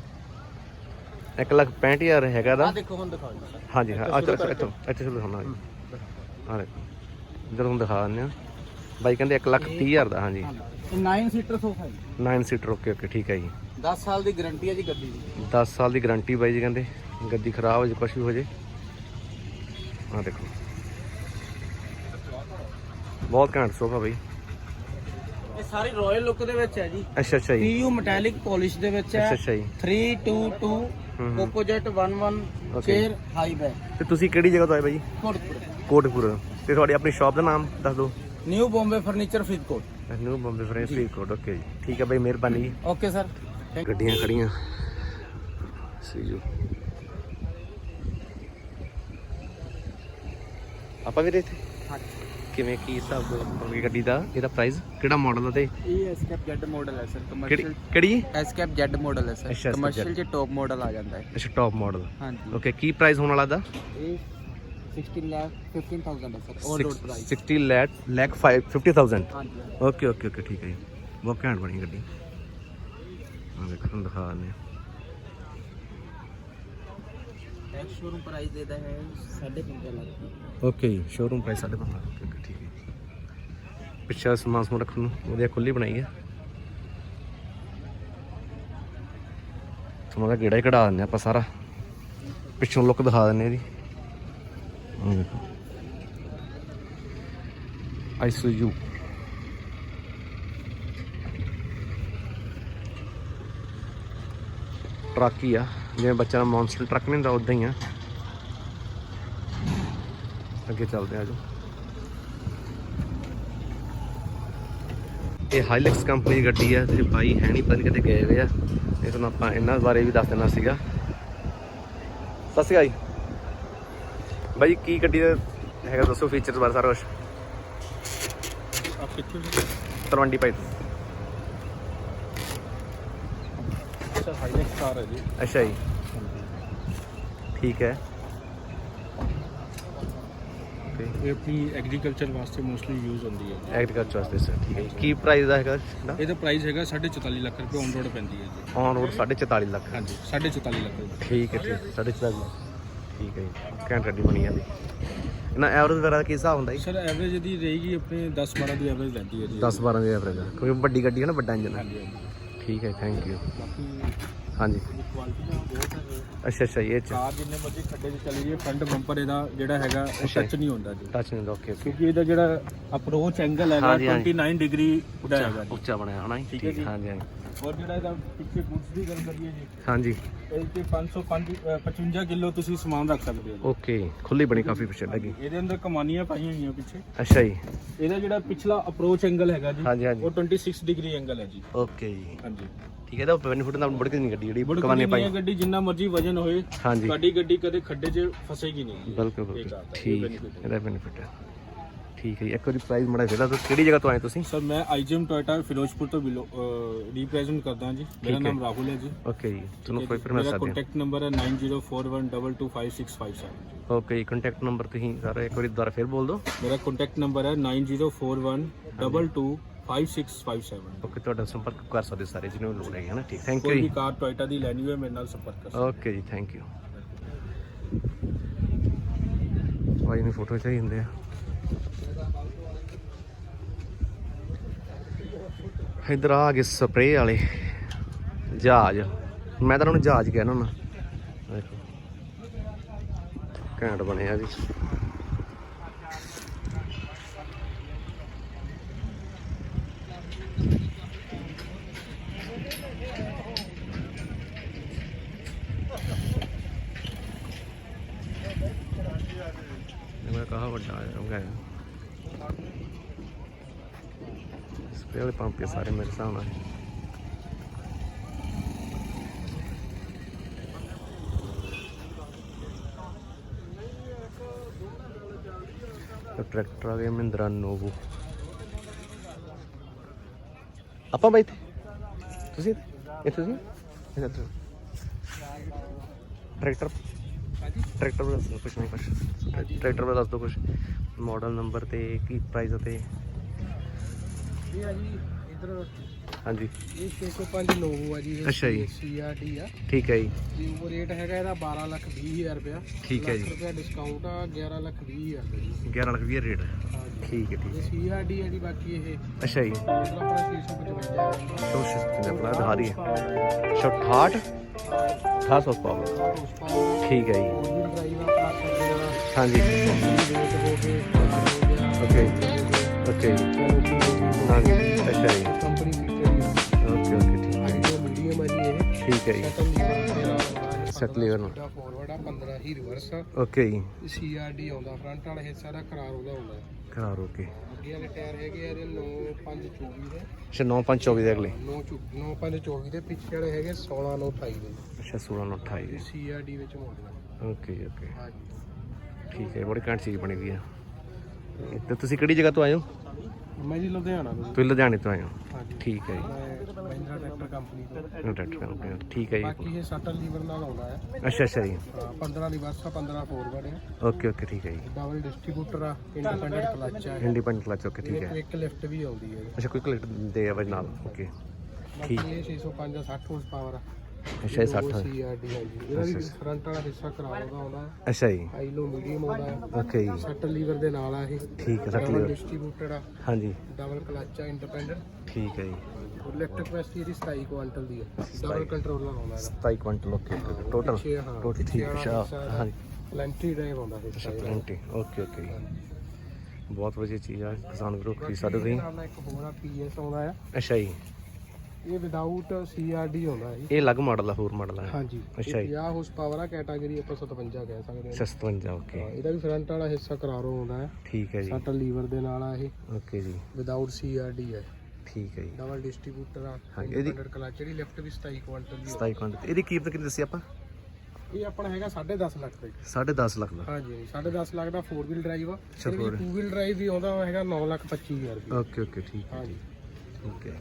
[SPEAKER 1] 1,65,000 ਹੈਗਾ ਦਾ।
[SPEAKER 3] ਦੇਖੋ ਹੁਣ ਦਿਖਾਓ ਜੀ।
[SPEAKER 1] ਹਾਂਜੀ ਹਾਂ ਇੱਥੇ ਚਲੋ ਦਿਖਾਉਣਾ ਜੀ। ਆਹ ਦੇਖੋ ਇੱਧਰ ਤੁਹਾਨੂੰ ਦਿਖਾ ਦਿੰਦੇ ਹਾਂ। ਬਾਈ ਕਹਿੰਦੇ 1,30,000 ਦਾ। ਹਾਂਜੀ
[SPEAKER 3] ਇਹ 9 ਸੀਟਰ ਸੋਫਾ ਹੈ।
[SPEAKER 1] 9 ਸੀਟਰ। ਓਕੇ ਠੀਕ ਹੈ ਜੀ।
[SPEAKER 3] 10 ਸਾਲ ਦੀ ਗਾਰੰਟੀ ਹੈ ਜੀ ਗੱਦੀ ਦੀ।
[SPEAKER 1] 10 ਸਾਲ ਦੀ ਗਾਰੰਟੀ ਬਾਈ ਜੀ ਕਹਿੰਦੇ। ਗੱਦੀ ਖਰਾਬ ਹੋ ਜੇ ਕੁਛ ਵੀ ਹੋ ਜੇ। ਆਹ ਦੇਖੋ ਬਹੁਤ ਘੈਂਟ ਸੋਫਾ ਬਾਈ।
[SPEAKER 3] ਇਹ ਸਾਰੀ ਰਾਇਲ ਲੁੱਕ ਦੇ ਵਿੱਚ ਹੈ ਜੀ।
[SPEAKER 1] ਅੱਛਾ ਅੱਛਾ ਜੀ,
[SPEAKER 3] PU ਮੈਟੈਲਿਕ ਪੋਲਿਸ਼ ਦੇ ਵਿੱਚ ਹੈ।
[SPEAKER 1] ਅੱਛਾ ਅੱਛਾ ਜੀ।
[SPEAKER 3] 322 opposite 11
[SPEAKER 1] Okay.
[SPEAKER 3] Chair high back
[SPEAKER 1] ਤੇ ਤੁਸੀਂ ਕਿਹੜੀ ਜਗ੍ਹਾ ਤੋਂ ਆਏ ਭਾਈ?
[SPEAKER 3] ਕੋਟਪੁਰ।
[SPEAKER 1] ਕੋਟਕਪੂਰ। ਤੇ ਤੁਹਾਡੀ ਆਪਣੀ ਸ਼ਾਪ ਦਾ ਨਾਮ ਦੱਸ ਦਿਓ।
[SPEAKER 3] New Bombay furniture Faridkot.
[SPEAKER 1] New Bombay Faridkot. Okay ਜੀ, ਠੀਕ ਹੈ ਭਾਈ, ਮਿਹਰਬਾਨੀ ਜੀ।
[SPEAKER 3] Okay sir.
[SPEAKER 1] ਗੱਡੀਆਂ ਖੜੀਆਂ ਸੀ ਜੋ ਆਪਾਂ ਵੀ ਇੱਥੇ ਕਿਵੇਂ ਕੀ ਹਿਸਾਬ ਹੋਊਗੀ ਗੱਡੀ ਦਾ, ਇਹਦਾ ਪ੍ਰਾਈਸ, ਕਿਹੜਾ ਮਾਡਲ ਆ ਤੇ
[SPEAKER 3] ਇਹ ਐਸਕੈਪ ਜ਼ੈਡ ਮਾਡਲ ਹੈ ਸਰ।
[SPEAKER 1] ਕਿਹੜੀ
[SPEAKER 3] ਐਸਕੈਪ ਜ਼ੈਡ ਮਾਡਲ ਹੈ ਸਰ।
[SPEAKER 1] ਅੱਛਾ,
[SPEAKER 3] ਕਮਰਸ਼ੀਅਲ ਚ ਟੌਪ ਮਾਡਲ ਆ ਜਾਂਦਾ ਹੈ।
[SPEAKER 1] ਅੱਛਾ, ਟੌਪ ਮਾਡਲ।
[SPEAKER 3] ਹਾਂਜੀ।
[SPEAKER 1] ਓਕੇ, ਕੀ ਪ੍ਰਾਈਸ ਹੋਣ ਵਾਲਾ ਦਾ?
[SPEAKER 3] ਇਹ 16,15,000 ਹੈ ਸਰ। On road price
[SPEAKER 1] 60 lakh 50,000।
[SPEAKER 3] ਹਾਂਜੀ।
[SPEAKER 1] ਓਕੇ ਓਕੇ ਓਕੇ, ਠੀਕ ਹੈ ਜੀ, ਬਹੁਤ ਘੈਂਟ ਬਣੀ ਗੱਡੀ। ਆ ਦੇਖੋ, ਤੁਹਾਨੂੰ ਦਿਖਾ ਦਿੰਦੇ ਹਾਂ।
[SPEAKER 3] ਟੈਕਸ ਸ਼ੋਰੂਮ ਪ੍ਰਾਈਸ ਦੇਦਾ ਹੈ 15.5 ਲੱਖ।
[SPEAKER 1] ਓਕੇ ਜੀ, ਸ਼ੋਰੂਮ ਪ੍ਰਾਈਸ 15.5 ਲੱਖ। ਓਕੇ, ਠੀਕ ਹੈ। ਪਿੱਛੇ ਸਮਾਨ ਸਮੂਨ ਰੱਖਣ ਨੂੰ ਵਧੀਆ ਖੁੱਲੀ ਬਣਾਈ ਹੈ। ਤੁਹਾਨੂੰ ਦਾ ਗੇੜਾ ਹੀ ਕਢਾ ਦਿੰਦੇ ਆਪਾਂ ਸਾਰਾ, ਪਿੱਛੋਂ ਲੁੱਕ ਦਿਖਾ ਦਿੰਦੇ ਇਹਦੀ। ਆਹ ਦੇਖੋ, ਆਈਸੂਯੂ ਟਰੱਕ ਹੀ ਆ, ਜਿਵੇਂ ਬੱਚਿਆਂ ਦਾ ਮੌਨਸਟਰ ਟਰੱਕ ਨਹੀਂ ਹੁੰਦਾ ਉਦਾਂ ਹੀ ਆ। ਅੱਗੇ ਚੱਲਦੇ ਆ ਜੋ। ਇਹ ਹਾਈਲੈਕਸ ਕੰਪਨੀ ਦੀ ਗੱਡੀ ਆ ਤੇ ਬਾਈ ਹੈ ਨਹੀਂ, ਪਤਾ ਨਹੀਂ ਕਿਤੇ ਗਏ ਹੋਏ ਆ। ਇਹ ਤੁਹਾਨੂੰ ਆਪਾਂ ਇਹਨਾਂ ਬਾਰੇ ਵੀ ਦੱਸ ਦੇਣਾ ਸੀਗਾ। ਸਤਿ ਸ਼੍ਰੀ ਅਕਾਲ ਜੀ ਬਾਈ, ਕੀ ਗੱਡੀ ਦਾ ਹੈਗਾ ਦੱਸੋ, ਫੀਚਰਸ ਬਾਰੇ ਸਾਰਾ ਕੁਛ। ਤਲਵੰਡੀ ਭਾਈ ਤੋਂ।
[SPEAKER 2] ਸਰ ਹਾਈਲੈਕਸ ਕਾਰ ਹੈ ਜੀ।
[SPEAKER 1] ਅੱਛਾ ਜੀ, ਠੀਕ ਹੈ।
[SPEAKER 2] ਇਹ ਆਪਣੀ ਐਗਰੀਕਲਚਰ ਵਾਸਤੇ ਮੋਸਟਲੀ ਯੂਜ਼ ਹੁੰਦੀ ਹੈ।
[SPEAKER 1] ਐਗਰੀਕਲਚਰ ਵਾਸਤੇ ਸਰ, ਠੀਕ ਹੈ ਜੀ। ਕੀ ਪ੍ਰਾਈਸ ਦਾ ਹੈਗਾ
[SPEAKER 2] ਇਹਦਾ ਪ੍ਰਾਈਸ ਹੈਗਾ 44.5 ਲੱਖ ਰੁਪਏ ਔਨ ਰੋਡ ਪੈਂਦੀ ਹੈ ਜੀ।
[SPEAKER 1] On road 44.5 lakh.
[SPEAKER 2] ਹਾਂਜੀ, 44.5 ਲੱਖ ਰੁਪਏ।
[SPEAKER 1] ਠੀਕ ਹੈ, ਠੀਕ 44.5 ਲੱਖ, ਠੀਕ ਹੈ ਜੀ। ਘੈਂਟ ਗੱਡੀ ਬਣੀ ਜਾਂਦੀ। ਇਹਨਾਂ ਐਵਰੇਜ ਵਗੈਰਾ ਕੀ ਹਿਸਾਬ ਹੁੰਦਾ ਜੀ?
[SPEAKER 2] ਸਰ ਐਵਰੇਜ ਇਹਦੀ ਰਹੇਗੀ ਆਪਣੇ 10-12 ਦੀ ਐਵਰੇਜ ਰਹਿੰਦੀ ਹੈ ਜੀ।
[SPEAKER 1] 10-12 ਦੀ ਐਵਰੇਜ, ਕਿਉਂਕਿ ਵੱਡੀ ਗੱਡੀ ਹੈ ਨਾ, ਵੱਡਾ ਇੰਜਨ ਹੈ।
[SPEAKER 2] ਹਾਂਜੀ ਹਾਂਜੀ।
[SPEAKER 1] ਠੀਕ ਹੈ, ਥੈਂਕ ਯੂ।
[SPEAKER 2] ਬਾਕੀ
[SPEAKER 1] ਹਾਂਜੀ,
[SPEAKER 2] ਕੁਆਲਿਟੀ ਬਹੁਤ ਹੈ।
[SPEAKER 1] ਅੱਛਾ ਅੱਛਾ, ਇਹ ਚ
[SPEAKER 2] ਕਾਰ ਜਿੰਨੇ ਮਰਜ਼ੀ ਖੱਡੇ 'ਚ ਚਲੀ ਜਾਏ, ਫਰੰਟ ਬੰਪਰ ਇਹਦਾ ਜਿਹੜਾ ਹੈਗਾ ਉਹ
[SPEAKER 1] ਅੱਛਾ।
[SPEAKER 2] ਟੱਚ ਨਹੀਂ ਹੁੰਦਾ ਜੀ।
[SPEAKER 1] ਟੱਚ ਨਹੀਂ ਹੁੰਦਾ। ਓਕੇ ਓਕੇ,
[SPEAKER 2] ਕਿਉਂਕਿ ਇਹਦਾ ਜਿਹੜਾ ਅਪਰੋਚ ਐਂਗਲ ਹੈਗਾ
[SPEAKER 1] ਹਾਂਜੀ, ਹਾਂਜੀ।
[SPEAKER 2] 29 ਡਿਗਰੀ ਦਾ ਹੈਗਾ ਜੀ।
[SPEAKER 1] ਉੱਚਾ ਬਣਿਆ ਹੋਣਾ ਜੀ।
[SPEAKER 2] ਠੀਕ ਹੈ ਜੀ।
[SPEAKER 1] ਹਾਂਜੀ ਹਾਂਜੀ
[SPEAKER 2] ਔਰ ਜਿਹੜਾ ਇਹਦਾ ਪਿੱਛੇ ਬੂਟਸ ਦੀ ਗੱਲ ਕਰੀਏ ਜੀ,
[SPEAKER 1] ਹਾਂਜੀ।
[SPEAKER 2] ਇਹ ਤੇ 55 ਕਿਲੋ ਤੁਸੀਂ ਸਮਾਨ ਰੱਖ ਸਕਦੇ ਹੋ ਜੀ।
[SPEAKER 1] ਓਕੇ, ਖੁੱਲੀ ਬਣੀ ਕਾਫੀ ਪਿੱਛੇ ਲੱਗੀ।
[SPEAKER 2] ਇਹਦੇ ਅੰਦਰ ਕਮਾਨੀਆਂ ਪਾਈਆਂ ਹੋਈਆਂ ਪਿੱਛੇ।
[SPEAKER 1] ਅੱਛਾ ਜੀ,
[SPEAKER 2] ਇਹਦਾ ਜਿਹੜਾ ਪਿਛਲਾ ਅਪਰੋਚ ਐਂਗਲ ਹੈਗਾ ਜੀ,
[SPEAKER 1] ਹਾਂਜੀ ਹਾਂਜੀ,
[SPEAKER 2] ਉਹ 26 ਡਿਗਰੀ ਐਂਗਲ ਹੈ ਜੀ।
[SPEAKER 1] ਓਕੇ ਜੀ,
[SPEAKER 2] ਹਾਂਜੀ।
[SPEAKER 1] ਠੀਕ ਹੈ। ਇਹਦਾ ਬੈਨੀਫਿਟ ਨਾਲ ਬੜੀ ਨਹੀਂ ਗੱਡੀ ਜਿਹੜੀ
[SPEAKER 2] ਬੜੀ
[SPEAKER 1] ਕਮਾਨੇ ਪਾਈ।
[SPEAKER 2] ਗੱਡੀ ਜਿੰਨਾ ਮਰਜ਼ੀ ਵਜਨ ਹੋਏ,
[SPEAKER 1] ਹਾਂਜੀ,
[SPEAKER 2] ਤੁਹਾਡੀ ਗੱਡੀ ਕਦੇ ਖੱਡੇ 'ਚ ਫਸੇਗੀ ਨਹੀਂ।
[SPEAKER 1] ਬਿਲਕੁਲ
[SPEAKER 2] ਇਹ
[SPEAKER 1] ਬਿਲਕੁਲ,
[SPEAKER 2] ਕਾਰ ਦਾ ਇਹ
[SPEAKER 1] ਠੀਕ,
[SPEAKER 2] benefit ਹੈ।
[SPEAKER 1] ਇਹਦਾ ਬੈਨੀਫਿਟ ਹੈ। ਠੀਕ ਹੈ ਜੀ, ਇੱਕ ਵਾਰੀ ਪ੍ਰਾਈਸ ਮੜਾ ਫਿਰ ਦੱਸੋ, ਕਿਹੜੀ ਜਗ੍ਹਾ ਤੋਂ ਆਏ ਤੁਸੀਂ?
[SPEAKER 2] ਸਰ ਮੈਂ ਆਈਜੀਐਮ ਟੋਇਟਾ ਫਿਰੋਜ਼ਪੁਰ ਤੋਂ ਰਿਪਰੈਜ਼ੈਂਟ ਕਰਦਾ ਜੀ। ਮੇਰਾ ਨਾਮ ਰਾਹੁਲ ਹੈ ਜੀ।
[SPEAKER 1] ਓਕੇ ਜੀ, ਤੁਹਾਨੂੰ ਕੋਈ ਫਿਰ ਮਿਲ
[SPEAKER 2] ਮੇਰਾ
[SPEAKER 1] ਸਕਦੇ
[SPEAKER 2] ਕੰਟੈਕਟ ਨੰਬਰ ਹੈ 9041222557।
[SPEAKER 1] ਓਕੇ ਜੀ, ਕੰਟੈਕਟ ਨੰਬਰ ਤੁਸੀਂ ਸਾਰਾ ਇੱਕ ਵਾਰੀ ਦੁਬਾਰਾ ਫਿਰ ਬੋਲ ਦਿਓ।
[SPEAKER 2] ਮੇਰਾ ਕੰਟੈਕਟ ਨੰਬਰ ਹੈ 9041222557।
[SPEAKER 1] ਓਕੇ, ਤੁਹਾਡਾ ਸੰਪਰਕ ਕਰ ਸਕਦੇ ਸਾਰੇ ਜਿਹਨੂੰ ਲੋੜ ਹੈ ਨਾ। ਠੀਕ, ਥੈਂਕ ਯੂ
[SPEAKER 2] ਕੋਈ ਵੀ
[SPEAKER 1] ਜੀ।
[SPEAKER 2] ਕਾਰ ਟੋਇਟਾ ਦੀ ਲੈਣੀ ਹੋਵੇ ਮੇਰੇ ਨਾਲ ਸੰਪਰਕ ਕਰ ਸਕਦੇ।
[SPEAKER 1] ਓਕੇ ਜੀ, ਥੈਂਕ ਯੂ। ਭਾਈ ਨੂੰ ਫੋਟੋ ਚਾਹੀਦੀ ਹੁੰਦੇ ਆ। ਇੱਧਰ ਆ ਗਏ ਸਪਰੇਅ ਵਾਲੇ ਜਹਾਜ਼, ਮੈਂ ਤਾਂ ਉਹਨੂੰ ਜਹਾਜ਼ ਕਹਿਣਾ ਨਾ। ਦੇਖੋ ਘੈਂਟ ਬਣਿਆ ਜੀ। ਮੈਂ ਕਹਾ ਵੱਡਾ ਹੈ ਸਪਰੇਅ ਵਾਲੇ ਪੰਪ ਸਾਰੇ ਮੇਰੇ ਹਿਸਾਬ ਨਾਲ। ट्रैक्टर आ गया महिंद्रा नोवो। ਆਪਾਂ ਬਾਈ ਤੁਸੀਂ ਇੱਥੇ ਸੀ ਟਰੈਕਟਰ ਬਾਰੇ ਦੱਸੋ ਕੁਛ ਨਹੀਂ, ਕੁਛ ਟਰੈਕਟਰ ਬਾਰੇ ਦੱਸ ਦਿਓ ਕੁਛ, ਮਾਡਲ ਨੰਬਰ ਤੇ ਕੀ ਪ੍ਰਾਈਸ ਅਤੇ
[SPEAKER 3] ਇਹ ਆ ਜੀ ਇਧਰ
[SPEAKER 1] ਹਾਂਜੀ।
[SPEAKER 3] ਇਹ 605 ਨੋਵੋ ਆ ਜੀ।
[SPEAKER 1] ਅੱਛਾ ਜੀ,
[SPEAKER 3] CRD ਆ।
[SPEAKER 1] ਠੀਕ ਹੈ ਜੀ।
[SPEAKER 3] ਤੇ ਉਹ ਰੇਟ ਹੈਗਾ ਇਹਦਾ 12,20,000 ਰੁਪਇਆ।
[SPEAKER 1] ਠੀਕ ਹੈ ਜੀ।
[SPEAKER 3] ਲੱਖ ਰੁਪਇਆ ਡਿਸਕਾਊਂਟ ਆ 11,20,000 ਰੁਪਏ ਜੀ।
[SPEAKER 1] 11,20,000 ਰੇਟ। ਠੀਕ ਹੈ, ਠੀਕ
[SPEAKER 3] ਇਹ
[SPEAKER 1] ਹੈ।
[SPEAKER 3] CRD ਆ ਜੀ। ਬਾਕੀ ਇਹ
[SPEAKER 1] ਅੱਛਾ ਜੀ,
[SPEAKER 3] ਆਪਣਾ 655
[SPEAKER 1] ਆਪਣਾ ਦਿਖਾ ਦਈਏ 68 ਪਾਵਰ। ਠੀਕ ਹੈ ਜੀ, ਹਾਂਜੀ। ਓਕੇ ਓਕੇ ਜੀ
[SPEAKER 2] ਕੈਨੋਪੀ ਹੋ ਗਈ
[SPEAKER 1] ਹਾਂਜੀ ਅੱਛਾ ਜੀ
[SPEAKER 2] ਕੰਪਨੀ ਕੀਤੀ ਹੈ
[SPEAKER 1] ਓਕੇ ਓਕੇ ਠੀਕ ਹੈ
[SPEAKER 2] ਜੀ ਮੀਡੀਅਮ ਹੈ ਜੀ ਇਹ
[SPEAKER 1] ਠੀਕ ਹੈ ਜੀ
[SPEAKER 2] ਸੈਟਲ ਲੀਵਰ ਮੇਰਾ ਆਉਂਦਾ
[SPEAKER 1] ਸੈਟ ਲੀਵਰ ਨੂੰ
[SPEAKER 2] ਫੋਰਵਰਡ ਆ 15 ਹੀ ਰਿਵਰਸ ਆ
[SPEAKER 1] ਓਕੇ ਜੀ
[SPEAKER 2] CRD ਆਉਂਦਾ ਫਰੰਟ ਵਾਲਾ ਹਿੱਸਾ ਦਾ ਕਰਾਰ ਉਹਦਾ ਹੁੰਦਾ
[SPEAKER 1] ਕਰਾਰ ਓਕੇ
[SPEAKER 2] ਅੱਗੇ ਵਾਲੇ ਟਾਇਰ ਹੈਗੇ ਆ ਇਹਦੇ 9.524 ਦੇ
[SPEAKER 1] ਅੱਛਾ 9/5/24 ਦੇ ਅਗਲੇ
[SPEAKER 2] 9.524 ਦੇ ਪਿੱਛੇ ਵਾਲੇ ਹੈਗੇ 16/28 ਦੇ
[SPEAKER 1] ਅੱਛਾ 16/28 ਦੇ
[SPEAKER 2] CRD ਵਿੱਚ ਮਾਡਲ
[SPEAKER 1] ਓਕੇ ਜੀ ਓਕੇ
[SPEAKER 2] ਹਾਂਜੀ
[SPEAKER 1] ਠੀਕ ਹੈ ਬੜੀ ਘੈਂਟ ਚੀਜ਼ ਬਣੀ ਹੋਈ ਆ ਤੇ ਤੁਸੀਂ ਕਿਹੜੀ ਜਗ੍ਹਾ ਤੋਂ ਆਏ ਹੋ
[SPEAKER 2] ਮੈਂ ਜੀ ਲੁਧਿਆਣਾ ਤੋਂ
[SPEAKER 1] ਤੁਸੀਂ ਲੁਧਿਆਣੇ ਤੋਂ ਆਏ ਹੋ
[SPEAKER 2] ਹਾਂਜੀ
[SPEAKER 1] ਠੀਕ ਹੈ ਜੀ
[SPEAKER 2] ਮੈਂ ਮਹਿੰਦਰਾ ਟਰੈਕਟਰ ਕੰਪਨੀ ਤੋਂ
[SPEAKER 1] ਟਰੈਕਟਰ ਕੰਪਨੀ ਠੀਕ ਹੈ ਜੀ
[SPEAKER 2] ਬਾਕੀ ਇਹ ਸਟਲ ਲੀਵਰ ਨਾਲ ਆਉਂਦਾ ਹੈ
[SPEAKER 1] ਅੱਛਾ ਅੱਛਾ ਜੀ
[SPEAKER 2] 15 ਰਿਵਰਸ ਆ 15 ਫੋਰਵਰਡ ਹੈ
[SPEAKER 1] ਓਕੇ ਓਕੇ ਠੀਕ ਹੈ ਜੀ
[SPEAKER 2] ਡਬਲ ਡਿਸਟ੍ਰੀਬਿਊਟਰ ਆ ਇੰਡੀਪੈਂਡੈਂਟ ਕਲਚ ਆ
[SPEAKER 1] ਇੰਡੀਪੈਂਡੈਂਟ ਕਲਚ ਓਕੇ ਠੀਕ ਹੈ
[SPEAKER 2] ਇੱਕ ਲਿਫਟ ਵੀ ਆਉਂਦੀ ਹੈ
[SPEAKER 1] ਅੱਛਾ ਕੋਈ ਕਲੈਕਟ ਦੇ ਆ ਵਜ ਨਾਲ ਓਕੇ
[SPEAKER 2] ਬਾਕੀ ਇਹ 605 60 ਹਾਰਸ ਪਾਵਰ ਆ
[SPEAKER 1] ਅੱਛਾ ਇਹ 60
[SPEAKER 2] CRD ਹਾਂਜੀ ਇਹਦਾ ਵੀ ਫਰੰਟ ਵਾਲਾ ਹਿੱਸਾ ਕਰਾਰ ਦਾ ਆਉਂਦਾ ਹੈ
[SPEAKER 1] ਅੱਛਾ ਜੀ
[SPEAKER 2] ਹਾਈ ਲੋ ਮੀਡੀਅਮ ਆਉਂਦਾ ਹੈ
[SPEAKER 1] ਓਕੇ ਜੀ
[SPEAKER 2] ਸਟਲ ਲੀਵਰ ਦੇ ਨਾਲ ਆ ਇਹ
[SPEAKER 1] ਠੀਕ ਹੈ ਸੱਟ
[SPEAKER 2] ਡਬਲ
[SPEAKER 1] ਲਿਓ
[SPEAKER 2] ਡਿਸਟ੍ਰੀਬਿਊਟਰ ਆ
[SPEAKER 1] ਹਾਂਜੀ
[SPEAKER 2] ਡਬਲ ਕਲਚ ਆ ਇੰਡੀਪੈਂਡੈਂਟ
[SPEAKER 1] ਠੀਕ ਹੈ ਜੀ
[SPEAKER 2] ਔਰ ਲਿਫਟ ਕਪੈਸਿਟੀ ਇਹਦੀ 27 ਕੁਆਂਟਲ ਦੀ ਹੈ ਡਬਲ ਕੰਟਰੋਲਰ ਆਉਂਦਾ ਇਹਦਾ
[SPEAKER 1] 27 ਕੁਇੰਟਲ ਓਕੇ ਟੋਟਲ
[SPEAKER 2] ਪਿੱਛੇ ਹਾਂ
[SPEAKER 1] ਟੋਟਲ ਠੀਕ ਅੱਛਾ ਹਾਂਜੀ
[SPEAKER 2] ਪਲੈਂਟੀ ਡਰਾਈਵ ਆਉਂਦਾ ਹੈ
[SPEAKER 1] ਅੱਛਾ 20 ਓਕੇ ਓਕੇ ਜੀ ਬਹੁਤ ਵਧੀਆ ਚੀਜ਼ ਆ ਕਿਸਾਨ ਵੀਰੋ ਖਰੀਦ ਸਕਦੇ ਤੁਸੀਂ
[SPEAKER 2] ਨਾਲ ਇੱਕ ਹੋਰ ਆ PS ਆਉਂਦਾ ਹੈ
[SPEAKER 1] ਅੱਛਾ ਜੀ
[SPEAKER 2] ਇਹ ਵਿਦਆਊਟ CRD ਆਉਂਦਾ ਹੈ
[SPEAKER 1] ਇਹ ਅਲੱਗ ਮਾਡਲ ਆ ਹੋਰ ਮਾਡਲ ਆ
[SPEAKER 2] ਹਾਂਜੀ
[SPEAKER 1] ਅੱਛਾ ਜੀ
[SPEAKER 2] 50 ਹਾਰਸ ਪਾਵਰ ਆ ਕੈਟਾਗਰੀ ਆਪਾਂ 57 ਕਹਿ ਸਕਦੇ ਹਾਂ
[SPEAKER 1] 57 ਓਕੇ
[SPEAKER 2] ਇਹਦਾ ਵੀ ਫਰੰਟ ਵਾਲਾ ਹਿੱਸਾ ਕਰਾਰੋ ਆਉਂਦਾ ਹੈ
[SPEAKER 1] ਠੀਕ ਹੈ ਜੀ
[SPEAKER 2] ਸੱਟ ਲੀਵਰ ਦੇ ਨਾਲ ਆ ਇਹ
[SPEAKER 1] ਓਕੇ ਜੀ
[SPEAKER 2] ਵਿਦਆਊਟ CRD ਹੈ
[SPEAKER 1] ਠੀਕ ਹੈ ਜੀ
[SPEAKER 2] ਡਬਲ ਡਿਸਟ੍ਰੀਬਿਊਟਰ ਆ
[SPEAKER 1] ਹਾਂਜੀ, ਇਹਦੀ-
[SPEAKER 2] ਇੰਡੀਪੈਂਡੈਂਟ ਕਲਚ ਜਿਹੜੀ ਲੈਫਟ ਵੀ 27 ਕੁਆਂਟਲ ਦੀ
[SPEAKER 1] 27 ਕੁਇੰਟਲ ਇਹਦੀ ਕੀਮਤ ਕਿੰਨੀ ਦੱਸੀ ਆਪਾਂ
[SPEAKER 2] ਇਹ ਆਪਣਾ ਹੈਗਾ 10.5 ਲੱਖ ਦਾ
[SPEAKER 1] 10.5 ਲੱਖ ਦਾ
[SPEAKER 2] ਹਾਂਜੀ 10.5 ਲੱਖ ਦਾ 4 ਵੀਲ ਡਰਾਈਵ ਆ
[SPEAKER 1] ਅੱਛਾ,
[SPEAKER 2] ਇਹਦੇ ਵਿੱਚ 2 ਵੀਲ ਡਰਾਈਵ ਵੀ ਆਉਂਦਾ ਉਹ ਹੈਗਾ 9,25,000 ਰੁਪਏ
[SPEAKER 1] ਓਕੇ ਓਕੇ ਠੀਕ ਹੈ
[SPEAKER 2] ਹਾਂਜੀ
[SPEAKER 1] ਠੀਕ ਹੈ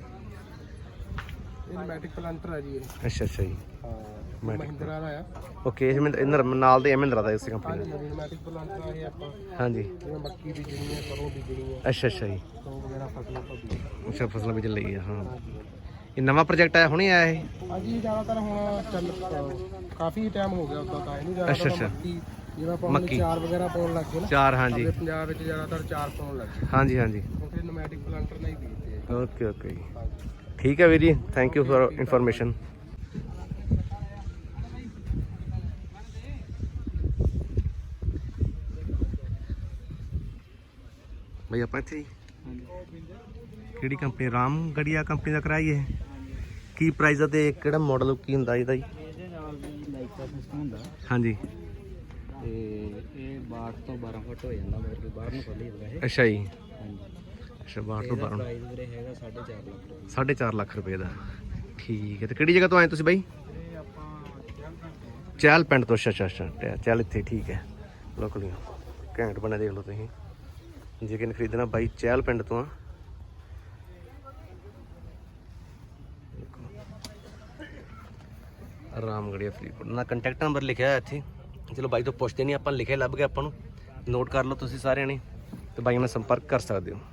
[SPEAKER 2] ਇਹ ਮੈਟਿਕ ਪਲੰਟਰ ਆ ਜੀ ਇਹ
[SPEAKER 1] ਅੱਛਾ ਅੱਛਾ ਜੀ
[SPEAKER 2] ਹਾਂ ਮਹਿੰਦਰਾ ਦਾ ਆ
[SPEAKER 1] ਓਕੇ ਇਹ ਇਹਨਾਂ ਨਾਲ ਦੇ ਮਹਿੰਦਰਾ ਦਾ ਇਸੇ ਕੰਪਨੀ
[SPEAKER 2] ਹਾਂਜੀ ਹਾਂਜੀ ਮੈਟਿਕ ਪਲੰਟਰ ਆ ਇਹ ਆਪਾਂ
[SPEAKER 1] ਹਾਂਜੀ
[SPEAKER 2] ਜਿਵੇਂ ਮੱਕੀ ਬੀਜਣੀ ਹੈ ਸਰੋਂ ਬੀਜਣੀ ਹੈ
[SPEAKER 1] ਅੱਛਾ ਅੱਛਾ ਜੀ
[SPEAKER 2] ਤੋਂ ਵਗੈਰਾ ਫਸਲਾਂ ਤੋਂ ਬੀਜਣੀ
[SPEAKER 1] ਅੱਛਾ ਫਸਲਾਂ ਬੀਜਣ ਲਈ ਆ ਹਾਂ ਇਹ ਨਵਾਂ ਪ੍ਰੋਜੈਕਟ ਆਇਆ ਹੁਣੇ ਆਇਆ ਇਹ
[SPEAKER 2] ਹਾਂਜੀ ਜ਼ਿਆਦਾਤਰ ਹੁਣ ਚੱਲ ਕਾਫੀ ਟਾਈਮ ਹੋ ਗਿਆ ਉਦਾਂ ਤਾਂ ਇਹਨੂੰ
[SPEAKER 1] ਅੱਛਾ,
[SPEAKER 2] ਜ਼ਿਆਦਾਤਰ
[SPEAKER 1] ਅੱਛਾ।
[SPEAKER 2] ਮੱਕੀ ਜਿਵੇਂ ਆਪਾਂ ਹੁਣ
[SPEAKER 1] ਮੱਕੀ।
[SPEAKER 2] ਚਾਰ ਵਗੈਰਾ ਪਾਉਣ ਲੱਗ ਗਏ ਨਾ
[SPEAKER 1] ਚਾਰ ਹਾਂਜੀ
[SPEAKER 2] ਆਪਣੇ ਪੰਜਾਬ ਵਿੱਚ ਜ਼ਿਆਦਾਤਰ ਚਾਰ ਪਾਉਣ ਲੱਗ ਗਏ
[SPEAKER 1] ਹਾਂਜੀ ਹਾਂਜੀ
[SPEAKER 2] ਕਿਉਂਕਿ ਨੋਮੈਟਿਕ ਪਲਾਂਟਰ ਨਹੀਂ ਬੀਜਦੇ ਆ।
[SPEAKER 1] ਓਕੇ ਓਕੇ ਜੀ
[SPEAKER 2] ਹਾਂਜੀ
[SPEAKER 1] ਠੀਕ ਹੈ ਵੀਰ ਜੀ ਥੈਂਕ ਯੂ ਫॉर ਇਨਫੋਰਮੇਸ਼ਨ ਭਾਈ ਆਪਾਂ ਇੱਥੇ ਹੀ ਕਿਹੜੀ ਕੰਪਨੀ ਰਾਮਗੜੀਆ ਕੰਪਨੀ ਦਾ ਕਰਾਈਏ ਕੀ ਪ੍ਰਾਈਸ ਆ ਤੇ ਕਿਹੜਾ ਮਾਡਲ ਕੀ ਹੁੰਦਾ ਇਹਦਾ ਜੀ
[SPEAKER 3] ਇਹਦੇ ਨਾਲ ਵੀ ਲਾਈਕ ਦਾ ਸਿਸਟਮ ਹੁੰਦਾ
[SPEAKER 1] ਹਾਂਜੀ
[SPEAKER 3] ਤੇ ਇਹ 12 ਤੋਂ 12 ਫੁੱਟ ਹੋ ਜਾਂਦਾ ਮਤਲਬ ਕਿ ਬਾਹਰ ਨੂੰ ਖੋਲੀ ਹੁੰਦਾ ਇਹ
[SPEAKER 1] ਅੱਛਾ ਜੀ
[SPEAKER 3] ਹਾਂਜੀ
[SPEAKER 1] ਅੱਛਾ 12 ਤੋਂ 12
[SPEAKER 3] ਪ੍ਰਾਈਸ ਵੀਰੇ ਹੈਗਾ 4.5 ਲੱਖ
[SPEAKER 1] 4.5 ਲੱਖ ਰੁਪਏ ਦਾ ਠੀਕ ਹੈ ਤੇ ਕਿਹੜੀ ਜਗ੍ਹਾ ਤੋਂ ਆਏ ਤੁਸੀਂ ਬਾਈ
[SPEAKER 3] ਇਹ ਆਪਾਂ
[SPEAKER 1] ਚਹਿਲ ਪਿੰਡ ਤੋਂ ਅੱਛਾ ਅੱਛਾ ਅੱਛਾ ਚਹਿਲ ਇੱਥੇ ਠੀਕ ਹੈ ਲੋਕਲੀ ਘੈਂਟ ਬਣਿਆ ਦੇਖ ਲਓ ਤੁਸੀਂ ਜੇ ਕਿਨ ਖਰੀਦਣਾ ਬਾਈ ਚਹਿਲ ਪਿੰਡ ਤੋਂ ਆ ਰਾਮਗੜੀਆ ਫਰੀਦਕੋਟ ਨਾ ਕੰਟੈਕਟ ਨੰਬਰ ਲਿਖਿਆ ਹੋਇਆ ਇੱਥੇ ਚਲੋ ਬਾਈ ਤੋਂ ਪੁੱਛਦੇ ਨਹੀਂ ਆਪਾਂ ਲਿਖਿਆ ਲੱਭ ਗਿਆ ਆਪਾਂ ਨੂੰ ਨੋਟ ਕਰ ਲਓ ਤੁਸੀਂ ਸਾਰਿਆਂ ਨੇ ਤੇ ਬਾਈ ਨਾਲ ਸੰਪਰਕ ਕਰ ਸਕਦੇ ਹੋ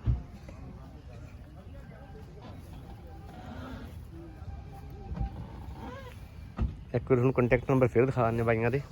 [SPEAKER 1] ਇੱਕ ਵਾਰ ਤੁਹਾਨੂੰ ਕੰਟੈਕਟ ਨੰਬਰ ਫਿਰ ਦਿਖਾ ਦਿੰਦੇ ਬਾਈਆਂ ਦੇ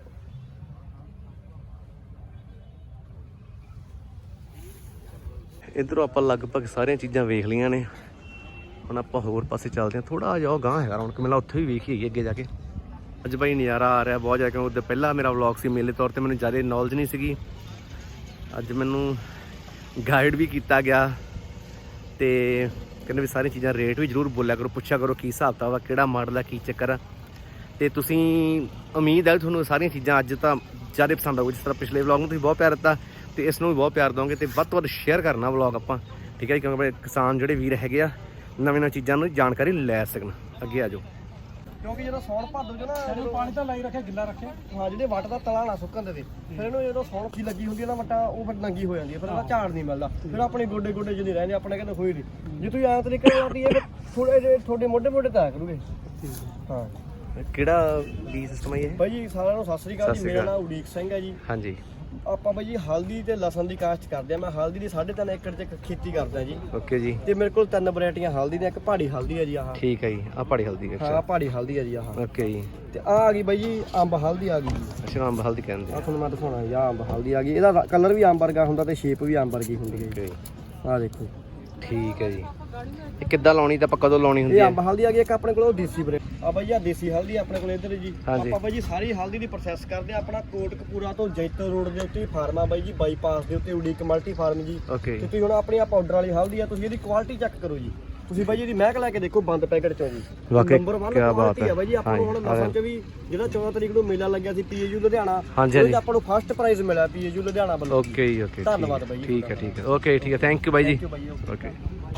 [SPEAKER 1] ਇੱਧਰੋਂ ਆਪਾਂ ਲਗਭਗ ਸਾਰੀਆਂ ਚੀਜ਼ਾਂ ਵੇਖ ਲਈਆਂ ਨੇ ਹੁਣ ਆਪਾਂ ਹੋਰ ਪਾਸੇ ਚੱਲਦੇ ਹਾਂ ਥੋੜਾ ਜਿਹਾ ਗਾਂਹ ਹੈਗਾ ਰੌਣਕ ਮੇਲਾ ਉੱਥੇ ਵੀ ਵੇਖ ਹੀ ਅੱਗੇ ਜਾ ਕੇ ਅੱਜ ਬਾਈ ਨਜ਼ਾਰਾ ਆ ਰਿਹਾ ਬਹੁਤ ਜ਼ਿਆਦਾ ਕਿਉਂਕਿ ਉਹਦੇ ਪਹਿਲਾਂ ਮੇਰਾ ਵਲੌਗ ਸੀ ਮੇਲੇ ਤੌਰ ਤੇ ਮੈਨੂੰ ਜ਼ਿਆਦਾ ਨੌਲੇਜ ਨਹੀਂ ਸੀਗੀ ਅੱਜ ਮੈਨੂੰ ਗਾਈਡ ਵੀ ਕੀਤਾ ਗਿਆ ਤੇ ਕਹਿੰਦੇ ਵੀ ਸਾਰੀਆਂ ਚੀਜ਼ਾਂ ਰੇਟ ਵੀ ਜ਼ਰੂਰ ਬੋਲਿਆ ਕਰੋ ਪੁੱਛਿਆ ਕਰੋ ਕੀ ਹਿਸਾਬ ਕਿਤਾਬ ਆ ਕਿਹੜਾ ਮਾਡਲ ਆ ਕੀ ਚੱਕਰ ਆ ਤੇ ਤੁਸੀਂ ਉਮੀਦ ਹੈ ਤੁਹਾਨੂੰ ਸਾਰੀਆਂ ਚੀਜ਼ਾਂ ਅੱਜ ਤਾਂ ਜ਼ਿਆਦਾ ਪਸੰਦ ਆਊਗੀ ਜਿਸ ਤਰ੍ਹਾਂ ਪਿਛਲੇ ਵਲੌਗ ਨੂੰ ਤੁਸੀਂ ਬਹੁਤ ਪਿਆਰ ਦਿੱਤਾ ਤੇ ਇਸ ਨੂੰ ਵੀ ਬਹੁਤ ਪਿਆਰ ਦਿਓਗੇ ਤੇ ਵੱਧ ਤੋਂ ਵੱਧ ਸ਼ੇਅਰ ਕਰਨਾ ਵਲੌਗ ਆਪਾਂ ਠੀਕ ਹੈ ਜੀ ਕਿਉਂਕਿ ਕਿਸਾਨ ਜਿਹੜੇ ਵੀਰ ਹੈਗੇ ਆ ਨਵੀਆਂ ਚੀਜ਼ਾਂ ਨੂੰ ਜਾਣਕਾਰੀ ਲੈ ਸਕਣ ਅੱਗੇ ਆ ਜਾਓ
[SPEAKER 2] ਕਿਉਂਕਿ ਜਦੋਂ ਸੌਣ ਭਾਦੋ ਚ ਨਾ ਪਾਣੀ ਤਾਂ ਲਾਈ ਰੱਖਿਆ ਗਿੱਲਾ ਰੱਖਿਆ ਹਾਂ ਜਿਹੜੇ ਵੱਟ ਦਾ ਤਲਾ ਨਾ ਸੁੱਕਣ ਦੇ ਫਿਰ ਇਹਨੂੰ ਜਦੋਂ ਸੌਣ ਕੀ ਲੱਗੀ ਹੁੰਦੀ ਹੈ ਨਾ ਵੱਟਾ ਉਹ ਫਿਰ ਨੰਗੀ ਹੋ ਜਾਂਦੀ ਹੈ ਫਿਰ ਇਹਦਾ ਝਾੜ ਨਹੀਂ ਮਿਲਦਾ ਫਿਰ ਆਪਣੇ ਗੋਡੇ ਗੋਡੇ ਜਿਹੇ ਰਹਿੰਦੇ ਆਪਣੇ ਕਹਿੰਦੇ ਹੋਈ ਨਹੀਂ ਜੇ ਤੁਸੀਂ ਐਂ ਤਰੀਕੇ ਨਾਲ ਆਉਂਦੀ ਹੈ ਫਿਰ ਥੋੜੇ ਜਿਹੇ ਤੁਹਾਡੇ ਮੋਢੇ ਮੋਢੇ ਤਾਂ ਆਇਆ ਕਰੂਗੇ ਹਾਂ
[SPEAKER 1] ਕਿਹੜਾ ਬੀ ਸਿਸਟਮ ਹੈ ਇਹ
[SPEAKER 2] ਬਾਈ ਜੀ ਸਾਰਿਆਂ ਨੂੰ ਸਤਿ ਸ੍ਰੀ ਅਕਾਲ ਜੀ ਮੇਰਾ ਨਾਮ ਉਡੀਕ ਸਿੰਘ ਹੈ ਜੀ
[SPEAKER 1] ਹਾਂਜੀ
[SPEAKER 2] ਆਪਾਂ ਬਾਈ ਜੀ ਹਲਦੀ ਤੇ ਲਸਣ ਦੀ ਕਾਸ਼ਤ ਕਰਦੇ ਆ ਮੈਂ ਹਲਦੀ ਦੀ 3.5 ਏਕੜ 'ਚ ਖੇਤੀ ਕਰਦਾ ਜੀ
[SPEAKER 1] ਓਕੇ ਜੀ
[SPEAKER 2] ਤੇ ਮੇਰੇ ਕੋਲ 3 ਵੈਰਾਈਟੀਆਂ ਹਲਦੀ ਦੀਆਂ ਇੱਕ ਪਹਾੜੀ ਹਲਦੀ ਹੈ ਜੀ ਆਹ
[SPEAKER 1] ਠੀਕ ਹੈ ਜੀ ਆ ਪਹਾੜੀ ਹਲਦੀ
[SPEAKER 2] ਹਾਂ
[SPEAKER 1] ਅੱਛਾ
[SPEAKER 2] ਪਹਾੜੀ ਹਲਦੀ ਹੈ ਜੀ ਆਹ
[SPEAKER 1] ਓਕੇ ਜੀ
[SPEAKER 2] ਤੇ ਆ ਗਈ ਬਾਈ ਜੀ ਅੰਬ ਹਲਦੀ ਆ ਗਈ ਜੀ
[SPEAKER 1] ਅੱਛਾ ਅੰਬ ਹਲਦੀ ਕਹਿੰਦੇ
[SPEAKER 2] ਆ ਤੁਹਾਨੂੰ ਮੈਂ ਦਿਖਾਉਣਾ ਜੀ ਆਹ ਅੰਬ ਹਲਦੀ ਆ ਗਈ ਇਹਦਾ ਕਲਰ ਵੀ ਅੰਬ ਵਰਗਾ ਹੁੰਦਾ ਤੇ ਸ਼ੇਪ ਵੀ ਅੰਬ ਵਰਗੀ ਹੁੰਦੀ ਹੈ
[SPEAKER 1] ਓਕੇ
[SPEAKER 2] ਆਹ ਦੇਖੋ
[SPEAKER 1] ਠੀਕ ਹੈ ਜੀ ਇਹ ਕਿੱਦਾਂ ਲਾਉਣੀ ਤਾਂ ਆਪਾਂ ਕਦੋਂ ਲਾਉਣੀ ਹੁੰਦੀ
[SPEAKER 2] ਇਹ
[SPEAKER 1] ਹੈ?
[SPEAKER 2] ਅੰਬ ਹਲਦੀ ਆ ਗਈ ਇੱਕ ਆਪਣੇ ਕੋਲ ਦੇਸੀ ਬਰੇ ਆ ਬਾਈ ਆ ਦੇਸੀ ਹਲਦੀ ਆਪਣੇ ਕੋਲ ਇੱਧਰ ਜੀ।
[SPEAKER 1] ਹਾਂਜੀ।
[SPEAKER 2] ਆਪਾਂ ਬਾਈ ਜੀ ਸਾਰੀ ਹਲਦੀ ਦੀ ਪ੍ਰੋਸੈਸ ਕਰਦੇ ਆ। ਆਪਣਾ ਕੋਟਕਪੂਰਾ ਤੋਂ ਜੈਤੋ ਰੋਡ ਦੇ ਉੱਤੇ ਫਾਰਮ ਆ ਬਾਈ ਜੀ, ਬਾਈਪਾਸ ਦੇ ਉੱਤੇ ਉਡੀਕ ਮਲਟੀ ਫਾਰਮ ਜੀ।
[SPEAKER 1] ਓਕੇ
[SPEAKER 2] ਤੇ ਤੁਸੀਂ ਹੁਣ ਆਪਣੀ ਆ ਪਾਊਡਰ ਵਾਲੀ ਹਲਦੀ ਆ, ਤੁਸੀਂ ਇਹਦੀ ਕੁਆਲਿਟੀ ਚੈੱਕ ਕਰੋ ਜੀ। ਤੁਸੀਂ ਬਾਈ ਜੀ ਇਹਦੀ ਮਹਿਕ ਲੈ ਕੇ ਦੇਖੋ ਬੰਦ ਪੈਕਟ ਚੋਂ ਜੀ।
[SPEAKER 1] ਵਾਕਈ
[SPEAKER 2] ਨੰਬਰ 1
[SPEAKER 1] ਕਿਆ ਬਾਤ
[SPEAKER 2] ਕੁਆਲਿਟੀ ਆ ਬਾਈ ਜੀ। ਆਪਾਂ ਨੂੰ ਹੁਣ
[SPEAKER 1] ਹਾਂਜੀ,
[SPEAKER 2] ਮਸਲ ਚ ਵੀ ਜਿਹੜਾ 14 ਤਰੀਕ ਨੂੰ ਮੇਲਾ ਲੱਗਿਆ ਸੀ ਪੀਏਯੂ ਲੁਧਿਆਣਾ,
[SPEAKER 1] ਹਾਂਜੀ,
[SPEAKER 2] ਉਹਦੇ 'ਚ ਆਪਾਂ ਨੂੰ ਫਸਟ ਪ੍ਰਾਈਜ਼ ਮਿਲਿਆ ਪੀਏਯੂ ਲੁਧਿਆਣਾ ਵੱਲੋਂ।
[SPEAKER 1] ਓਕੇ ਜੀ ਓਕੇ।
[SPEAKER 2] ਧੰਨਵਾਦ ਬਾਈ ਜੀ।
[SPEAKER 1] ਠੀਕ ਹੈ ਓਕੇ ਠੀਕ ਹੈ ਥੈਂਕ ਯੂ ਬਾਈ ਜੀ।
[SPEAKER 2] Thank you ਬਾਈ ਜੀ।
[SPEAKER 1] Okay.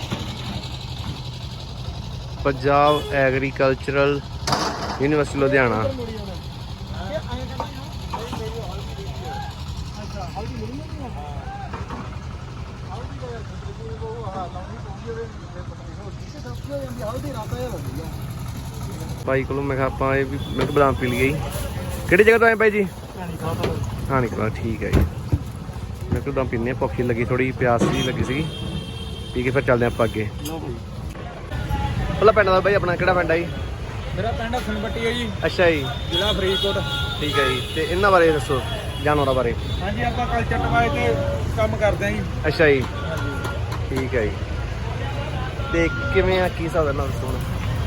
[SPEAKER 1] Punjab Agricultural University Ludhiana. ਭਾਈ ਕੋਲੋਂ ਮੈਂ ਕਿਹਾ ਆਪਾਂ ਇਹ ਵੀ ਮਿਲਕ ਬਦਾਮ ਪੀ ਲਈਏ ਜੀ। ਕਿਹੜੀ ਜਗ੍ਹਾ ਤੋਂ ਆਏ ਭਾਈ ਜੀ? ਹਾਣੀ ਕਲਾ। ਠੀਕ ਹੈ ਜੀ। ਮਿਲਕ ਬਦਾਮ ਪੀਂਦੇ ਹਾਂ, ਭੁੱਖ ਲੱਗੀ ਥੋੜੀ, ਪਿਆਸ ਜੀ ਲੱਗੀ ਸੀਗੀ, ਪੀ ਕੇ ਫਿਰ ਚੱਲਦੇ ਆਪਾਂ ਅੱਗੇ। ਪਹਿਲਾਂ ਪਿੰਡ ਦਾ ਭਾਈ ਆਪਣਾ ਕਿਹੜਾ ਪਿੰਡ ਹੈ ਜੀ?
[SPEAKER 3] ਮੇਰਾ ਪਿੰਡ ਹਸਨਪੱਟੀ ਹੈ ਜੀ,
[SPEAKER 1] ਅੱਛਾ ਜੀ,
[SPEAKER 3] ਜ਼ਿਲ੍ਹਾ ਫਰੀਦਕੋਟ।
[SPEAKER 1] ਠੀਕ ਹੈ ਜੀ। ਤੇ ਇਹਨਾਂ ਬਾਰੇ ਦੱਸੋ, ਜਾਨਵਰਾਂ ਬਾਰੇ।
[SPEAKER 3] ਹਾਂਜੀ, ਆਪਾਂ ਕਲਚਰ ਟਵਾਏ ਤੇ ਕੰਮ ਕਰਦੇ ਹਾਂ ਜੀ।
[SPEAKER 1] ਅੱਛਾ ਜੀ,
[SPEAKER 3] ਹਾਂਜੀ।
[SPEAKER 1] ਠੀਕ ਹੈ ਜੀ। ਤੇ ਕਿਵੇਂ ਆ, ਕੀ ਹਿਸਾਬ ਨਾਲ ਦੱਸੋ ਹੁਣ?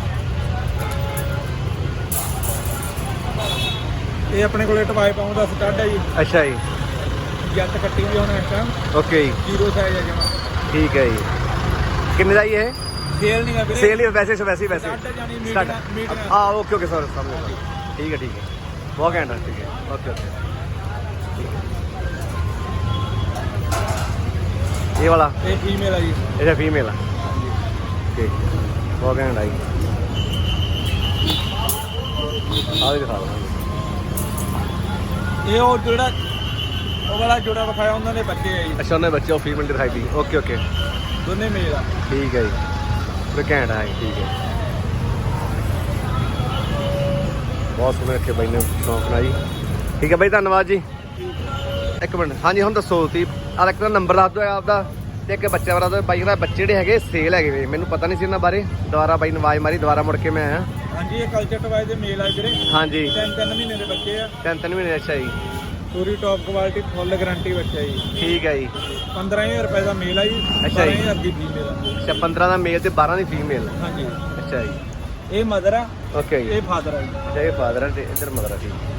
[SPEAKER 3] ਇਹ ਆਪਣੇ ਕੋਲੇ ਟਵਾਏ ਪਾਉਣ ਦਾ ਸਟੱਡ ਹੈ ਜੀ।
[SPEAKER 1] ਅੱਛਾ ਜੀ,
[SPEAKER 3] ਜੱਟ ਕੱਟੀ ਵੀ ਹੁਣ ਇਸ ਟਾਈਮ
[SPEAKER 1] ਓਕੇ ਜੀ,
[SPEAKER 3] ਜ਼ੀਰੋ ਸਾਈਜ਼ ਹੈ ਜਮਾ।
[SPEAKER 1] ਠੀਕ ਹੈ ਜੀ। ਕਿੰਨੇ ਦਾ ਜੀ ਇਹ?
[SPEAKER 3] ਸੇਲ ਨਹੀਂ ਹੈ ਵੀਰੇ,
[SPEAKER 1] ਸੇਲ ਹੀ ਵੈਸੇ ਹੀ ਵੈਸੇ
[SPEAKER 3] ਸਟੱਡ ਜਾਨੀ
[SPEAKER 1] ਸਟਾਰਟ।
[SPEAKER 3] ਮੀਟ
[SPEAKER 1] ਹਾਂ ਓਕੇ ਓਕੇ ਸਰ ਸਮਝ। ਠੀਕ ਹੈ ਬਹੁਤ ਘੈਂਟ ਹੈ। ਠੀਕ ਹੈ ਓਕੇ ਓਕੇ। ਇਹ ਵਾਲਾ
[SPEAKER 3] ਇਹ ਫੀਮੇਲ ਹੈ ਜੀ।
[SPEAKER 1] ਇਹਦਾ ਫੀਮੇਲ ਆ। ਠੀਕ ਬਹੁਤ ਘੈਂਟ ਆ ਜੀ। ਆਹ ਵੀ ਦਿਖਾ ਦਿਓ।
[SPEAKER 3] ਇਹ ਉਹ ਜਿਹੜਾ ਉਹ ਵਾਲਾ ਜੋੜਾ ਵਿਖਾਇਆ ਉਹਨਾਂ ਦੇ ਬੱਚੇ ਹੈ ਜੀ।
[SPEAKER 1] ਅੱਛਾ ਉਹਨੇ ਬੱਚੇ ਉਹ ਫੀਮੇਲ ਦਿਖਾਈ ਦੀ। ਓਕੇ ਓਕੇ
[SPEAKER 3] ਦੋਨੇ ਮੇਲ ਆ।
[SPEAKER 1] ਠੀਕ ਹੈ ਜੀ। ਤੇ ਘੈਂਟ ਆ ਜੀ। ਠੀਕ ਹੈ ਬਹੁਤ ਸੋਹਣੇ ਰੱਖੇ ਬਾਈ ਨੇ ਸ਼ੌਂਕ ਨਾਲ ਜੀ। ਠੀਕ ਹੈ ਬਾਈ ਧੰਨਵਾਦ ਜੀ। ਇੱਕ ਮਿੰਟ ਹਾਂਜੀ ਹੁਣ ਦੱਸੋ ਤੁਸੀਂ ਆਹ ਇੱਕ ਨੰਬਰ ਦੱਸ ਦਿਓ ਆਪਦਾ ਤੇ ਇੱਕ ਬੱਚੇ ਵਾਲਾ ਤਾਂ ਬਾਈ ਦਾ ਬੱਚੇ ਜਿਹੜੇ ਹੈਗੇ ਸੇਲ ਹੈਗੇ ਵੇ, ਮੈਨੂੰ ਪਤਾ ਨਹੀਂ ਸੀ ਇਹਨਾਂ ਬਾਰੇ। ਦੁਬਾਰਾ ਬਾਈ ਨੇ ਆਵਾਜ਼ ਮਾਰੀ, ਦੁਬਾਰਾ ਮੁੜ ਕੇ ਮੈਂ ਆਇਆ।
[SPEAKER 3] ਹਾਂਜੀ, ਇਹ ਕਲਚਰ ਟਵਾਏ ਦੇ ਮੇਲ ਆ ਜਿਹੜੇ।
[SPEAKER 1] ਹਾਂਜੀ
[SPEAKER 3] 3 ਮਹੀਨੇ ਦੇ ਬੱਚੇ ਆ।
[SPEAKER 1] 3 ਮਹੀਨੇ। ਅੱਛਾ ਜੀ,
[SPEAKER 3] ਪੂਰੀ ਟੌਪ ਕੁਆਲਿਟੀ ਫੁੱਲ ਗਾਰੰਟੀ ਬੱਚਾ ਜੀ।
[SPEAKER 1] ਠੀਕ ਹੈ ਜੀ।
[SPEAKER 3] 15000 ਰੁਪਏ ਦਾ ਮੇਲ ਆ ਜੀ।
[SPEAKER 1] ਅੱਛਾ ਜੀ।
[SPEAKER 3] 12000 ਦੀ ਫੀਮੇਲ ਆ।
[SPEAKER 1] ਅੱਛਾ 15 ਦਾ ਮੇਲ ਤੇ 12 ਦੀ ਫੀਮੇਲ।
[SPEAKER 3] ਹਾਂਜੀ,
[SPEAKER 1] ਅੱਛਾ ਜੀ
[SPEAKER 3] ਇਹ ਮਦਰ ਆ,
[SPEAKER 1] ਓਕੇ ਜੀ।
[SPEAKER 3] ਇਹ ਫਾਦਰ ਆ ਜੀ।
[SPEAKER 1] ਅੱਛਾ ਇਹ ਫਾਦਰ ਹੈ ਤੇ ਇੱਧਰ ਮਦਰ ਹੈ। ਠੀਕ